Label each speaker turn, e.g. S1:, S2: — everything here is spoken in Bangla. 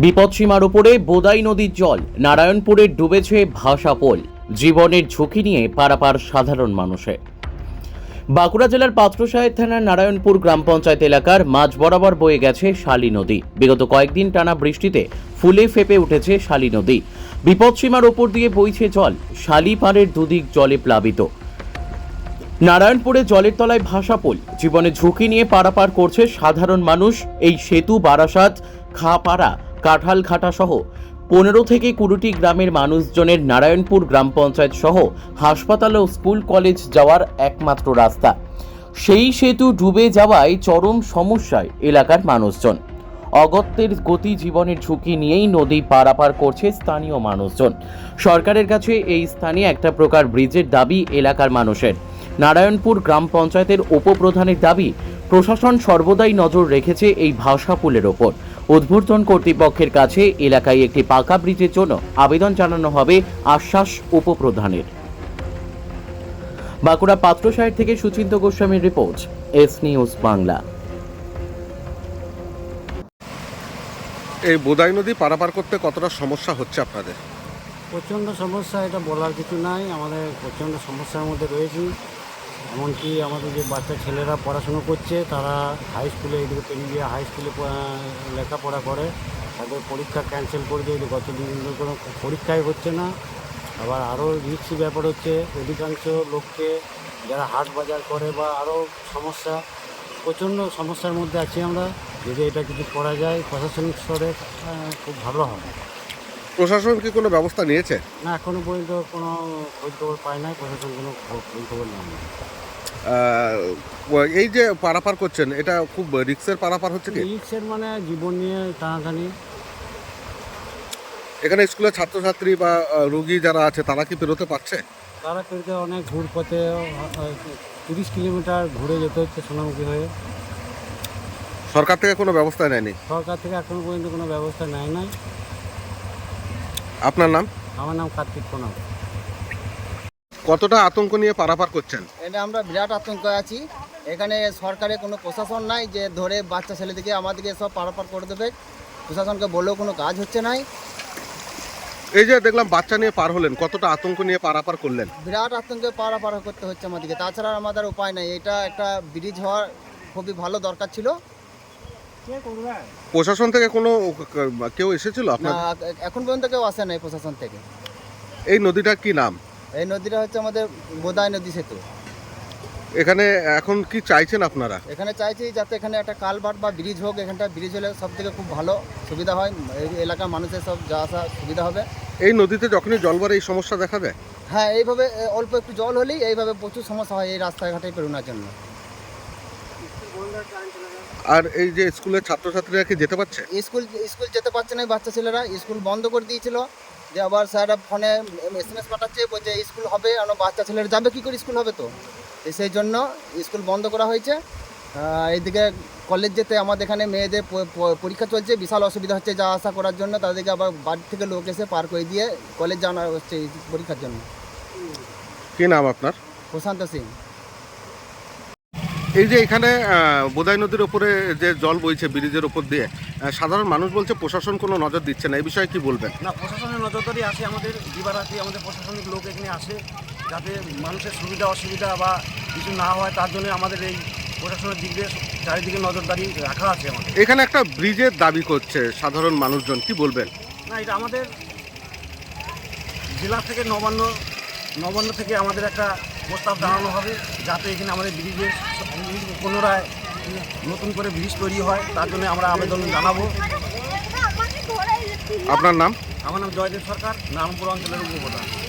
S1: বিপদসীমার উপরে বোদাই নদীর জল, নারায়ণপুরে ডুবেছে ভাষাপোল, জীবনের ঝুঁকি নিয়ে পারাপার সাধারণ মানুষের। বাঁকুড়া জেলার পাত্রসাহেব থানার নারায়ণপুর গ্রাম পঞ্চায়েত এলাকার মাঝ বরাবর বয়ে গেছে শালী নদী। বিগত কয়েকদিন টানা বৃষ্টিতে ফুলে ফেপে উঠেছে শালী নদী। বিপদসীমার ওপর দিয়ে বইছে জল, শালী পাড়ের দুদিক জলে প্লাবিত। নারায়ণপুরে জলের তলায় ভাষাপোল, জীবনের ঝুঁকি নিয়ে পারাপার করছে সাধারণ মানুষ। এই সেতু বারাসাত, খাপাড়া, কাঁঠালঘাটা সহ 15 থেকে 20টি গ্রামের মানুষজনের নারায়ণপুর গ্রাম পঞ্চায়েত সহ হাসপাতাল ও স্কুল কলেজ যাওয়ার একমাত্র রাস্তা। সেই সেতু ডুবে যাওয়ায় চরম সমস্যায় এলাকার মানুষজন। অগত্যের গতি, জীবনের ঝুঁকি নিয়েই নদী পারাপার করছে স্থানীয় মানুষজন। সরকারের কাছে এই স্থানে একটা প্রকার ব্রিজের দাবি এলাকার মানুষের। নারায়ণপুর গ্রাম পঞ্চায়েতের উপপ্রধানের দাবি, প্রশাসন সর্বদাই নজর রেখেছে এই ভাষাপুলের ওপর। উদ্বোধন কর্তৃপক্ষের কাছে এলাকায় একটি পাকা ব্রিজের জন্য আবেদন জানানো হবে, আশ্বাস উপপ্রধানের। বাঁকুড়া পাত্রসাহেব থেকে সুচিন্ত গোস্বামীর রিপোর্ট, এস নিউজ বাংলা।
S2: এই বোদাই নদী পারাপার করতে কতটা সমস্যা হচ্ছে আপনাদের?
S3: প্রচণ্ড সমস্যা, এটা বলার কিছু নাই। আমাদের প্রচণ্ড সমস্যার মধ্যে রয়েছি। এমনকি আমাদের যে বাচ্চা ছেলেরা পড়াশুনো করছে, তারা হাই স্কুলে, এদিকে পেরিয়ে হাই স্কুলে লেখাপড়া করে, তাদের পরীক্ষা ক্যান্সেল করে দিয়ে গত দিন কোনো পরীক্ষাই হচ্ছে না। আবার আরও রিস্কি ব্যাপার হচ্ছে, অধিকাংশ লোককে যারা হাট বাজার করে বা আরও সমস্যা, প্রচণ্ড সমস্যার মধ্যে আছি আমরা। যদি এটা কিছু করা যায় প্রশাসনিক স্তরে খুব ভালো হবে।
S2: প্রশাসন কি কোনো ব্যবস্থা নিয়েছে?
S3: না, এখনও পর্যন্ত কোনো খোঁজ খবর পাই নাই, প্রশাসন কোনো খোঁজ খবর নেই।
S2: এই যে পারাপার করছেন, এটা খুব রিস্কের পারাপার হচ্ছে কি?
S3: রিক্সের মানে জীবন নিয়ে টানাটানি।
S2: এখানে স্কুলের ছাত্রছাত্রী বা রোগী যারা আছে তারা কি পেরোতে পারছে?
S3: তারা পেরিতে অনেক ঘুর পথে 30 কিলোমিটার ঘুরে যেতে হচ্ছে সোনামুখী হয়ে।
S2: সরকার থেকে কোনো ব্যবস্থা নেয়নি?
S3: সরকার থেকে এখনও পর্যন্ত কোনো ব্যবস্থা নেয় নাই।
S2: আপনার নাম?
S3: আমার নাম কার্তিক প্রণব।
S2: কতটা আতঙ্ক নিয়ে পারাপার করছেন?
S4: এটা আমরা বিরাট আতঙ্ক আছি। এখানে সরকারের কোনো প্রশাসন নাই যে ধরে বাচ্চা ছেলেদিকে আমাদেরকে সব পারাপার করে দেবে। প্রশাসনকে বললেও কোনো কাজ হচ্ছে নাই।
S2: এই যে দেখলাম বাচ্চা নিয়ে পার হলেন, কতটা আতঙ্ক নিয়ে পারাপার করলেন?
S4: বিরাট আতঙ্কে পারাপার করতে হচ্ছে আমাদেরকে, তাছাড়া আমাদের উপায় নাই। এটা একটা ব্রিজ হওয়ার খুবই ভালো দরকার ছিল।
S2: প্রশাসন থেকে কোনো কেউ এসেছিল
S4: না,
S2: আপনার?
S4: এখন পর্যন্ত কেউ আসে নাই প্রশাসন থেকে।
S2: এই নদীটার কি নাম?
S4: এই নদীটা হচ্ছে আমাদের বোদাই নদী সেতু।
S2: এখানে এখন কি চাইছেন আপনারা?
S4: এখানে চাইছি যাতে এখানে একটা কালভার্ট বা ব্রিজ হোক। এখানটা ব্রিজ হলে সব থেকে খুব ভালো সুবিধা হয়, এই এলাকার মানুষের সব যাওয়া আসা সুবিধা হবে।
S2: এই নদীতে যখনই জল বাড়ে এই সমস্যা দেখা দেয়?
S4: হ্যাঁ, এইভাবে অল্প একটু জল হলেই এইভাবে প্রচুর সমস্যা হয় এই রাস্তাঘাটে পেরোনোর জন্য।
S2: আর এই যে স্কুলের ছাত্রছাত্রীরা কি যেতে পারছে?
S4: স্কুল যেতে পারছে না, বাচ্চা ছেলেরা স্কুল বন্ধ করে দিয়েছিল। যে আবার স্যাররা ফোনে SMS পাঠাচ্ছে, বলছে স্কুল হবে, আর বাচ্চা ছেলেরা যাবে কী করে, স্কুল হবে তো। সেই জন্য স্কুল বন্ধ করা হয়েছে। এইদিকে কলেজ যেতে আমাদের এখানে মেয়েদের পরীক্ষা চলছে, বিশাল অসুবিধা হচ্ছে যাওয়া আসা করার জন্য। তাদেরকে আবার বাড়ি থেকে লোক এসে পার করে দিয়ে কলেজ জানা হচ্ছে এই পরীক্ষার জন্য।
S2: কি নাম আপনার?
S4: প্রশান্ত সিং।
S2: এই যে এখানে বোদাই নদীর উপরে যে জল বইছে ব্রিজের উপর দিয়ে, সাধারণ মানুষ বলছে প্রশাসন কোনো নজর দিচ্ছে না, এই বিষয়ে কি বলবেন?
S3: না, প্রশাসনের নজরদারি আসে, আমাদের দিবারাত্রি আমাদের প্রশাসনিক লোক এখানে আসে, যাতে মানুষের সুবিধা অসুবিধা বা কিছু না হয় তার জন্য আমাদের এই প্রশাসনের দিক দিয়ে চারিদিকে নজরদারি রাখা আছে আমাদের।
S2: এখানে একটা ব্রিজের দাবি করছে সাধারণ মানুষজন, কি বলবেন?
S3: না, এটা আমাদের জেলা থেকে নবান্ন থেকে আমাদের একটা প্রস্তাব জানানো হবে, যাতে এখানে আমাদের ব্রিজের পুনরায় নতুন করে ব্রিজ তৈরি হয়, তার জন্য আমরা আবেদন জানাবো।
S2: আপনার নাম?
S3: আমার নাম জয়দেব সরকার, নারায়ণপুর অঞ্চলের উপপ্রধান।